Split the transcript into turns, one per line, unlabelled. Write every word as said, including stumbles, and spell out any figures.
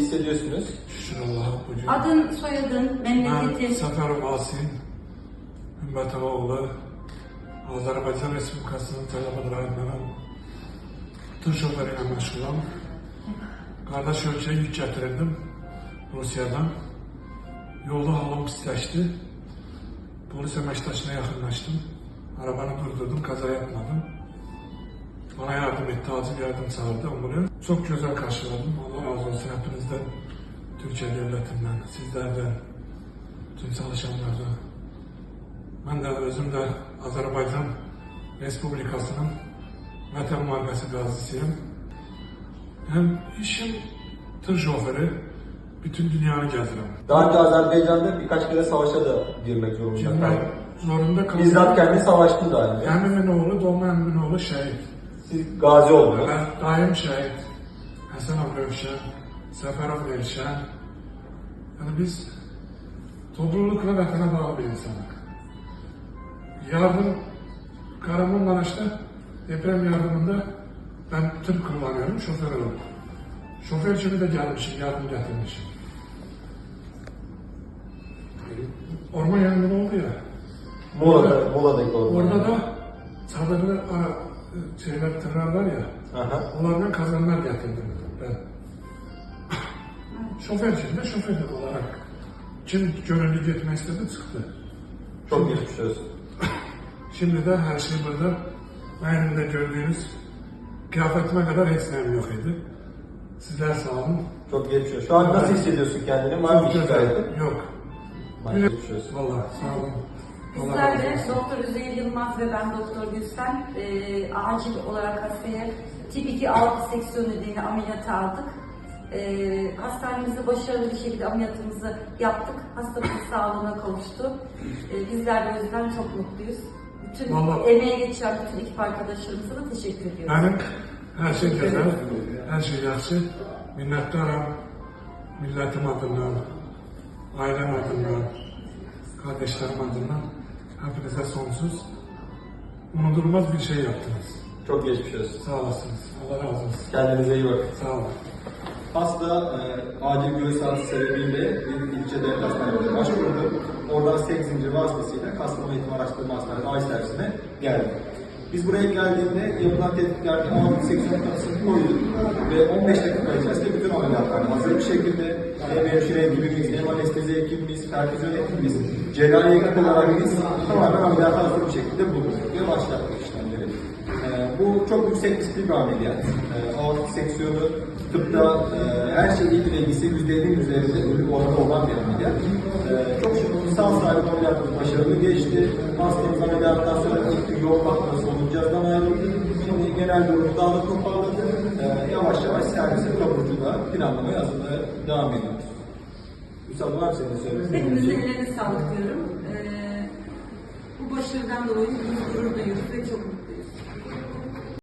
hissediyorsunuz?
Şükür Allah'a bugün.
Adın, soyadın,
Ben
memleketin.
Səfərov Asim, Ümmətov oğlu, Azərbaycan Respublikasının Tələbə rayonundan tır şoförü ilə məşğulam. Qardaş ölkəyə yük gətirirdim Rusiyadan. Yolda halım pisləşdi. Polis əməkdaşına yaxınlaşdım. Arabanı durdurdum, kaza yapmadım. Bana yardım etti, acil yardım çağırdı ambulans. Çok güzel karşıladım. Allah razı olsun hepinizden, Türkiye devletinden, sizlerden, tüm çalışanlardan. Ben de özüm de Azerbaycan Respublikası'nın Vətən Müharibəsi qazisiyim. Hem işim tır şoförü, bütün dünyanı gezirəm.
Daha önce Azerbaycan'da birkaç kere savaşa da girmek zorunda
Girmek
kaldım.
zorunda kaldım.
Bizzat kendi savaştı daha önce.
Əmimin oğlu, doğma əmimin oğlu şəhid.
Siz gazi oldunuz.
Ben daim şəhid. Həsənov Rövşən, Səfərov Rövşən. Yani biz topluluk ve vətənə bağlı bir insanıq. Yardım, Kahramanmaraş'ta deprem yardımında ben tır kullanıyorum, şoför olarak. Şoför için de gelmişim, yardım getirmişim. Orman yangını oldu ya.
Muğla'da, Muğla'daki orada.
Orada da çadırlı ara, şeyler, tırlar var ya.
Aha.
Onlardan kazanlar getirdim ben. Şoför için de şoför olarak. Kim gönüllü gitmek istedi çıktı.
Çok geçmiş olsun.
Şimdi de her şey burada. Benim de gördüğünüz kıyafetime kadar hepsinin yok idi. Sizler sağ olun.
Çok geçmiş olsun. Şu an nasıl hissediyorsun kendini? Var mı bir şikayetin?
Yok.
Var, geçmiş olsun.
Vallahi sağ olun. Allah
Bizler
razı
de
olsun.
Doktor Üzeyir Yılmaz ve ben Doktor Gülsen e, acil olarak hastaya tip iki altı seksiyon nedeniyle ameliyata aldık. E, hastanemizde başarılı bir şekilde ameliyatımızı yaptık. Hastamız sağlığına kavuştu. E, bizler de o yüzden çok mutluyuz. Bütün
Vallahi-
emeğe geçen bütün ekip arkadaşlarımıza da teşekkür ediyorum.
Benim her şey güzel, her şey yaxşı. Minnettarım. Milletim adından, ailem adından, kardeşlerim adından. Hepinize sonsuz, unutulmaz bir şey yaptınız.
Çok geçmiş olsun.
Sağ olasınız. Allah razı olsun.
Kendinize iyi bakın.
Sağ olun.
Hasta e, acil göğüs ağrısı sebebiyle bir ilçe devlet hastanesine başvurdu. Oradan sek zinciri vasıtasıyla Kastamonu Eğitim Araştırma Hastanesi A İ servisine geldi. Biz buraya geldiğinde yapılan tetkiklerde altı seksiyon tanısını koyduk ve on beş dakika içerisinde bütün ameliyatlar hazır bir şekilde hem hemşire ekibimiz, hem anestezi ekibimiz, perfüzyon ekibimiz, cerrahi ekip olarak biz tamamen ameliyata hazır bir şekilde bulduk ve başlattık işlemleri. Ee, bu çok yüksek riskli bir ameliyat. Ee, aortik seksiyonu tıpta e, her şeyle ilgisi yüzde ellinin üzerinde ölüm oranı olan bir ameliyat. Ee, çok şükür sağ salim ameliyatımız başarılı geçti. Hastamız ameliyattan sonra ilk gün yoğun bakımda soluncazdan ayrıldı. Şimdi genel durumu daha da toparladı. Ee, yavaş yavaş servise taburculuğa planlamaya hazırlığa devam ediyoruz. Üstad var mı senin söylemek
Hepinizin ellerine sağlık diyorum. Ee, bu başarıdan dolayı biz gurur duyuyoruz ve çok mutluyuz.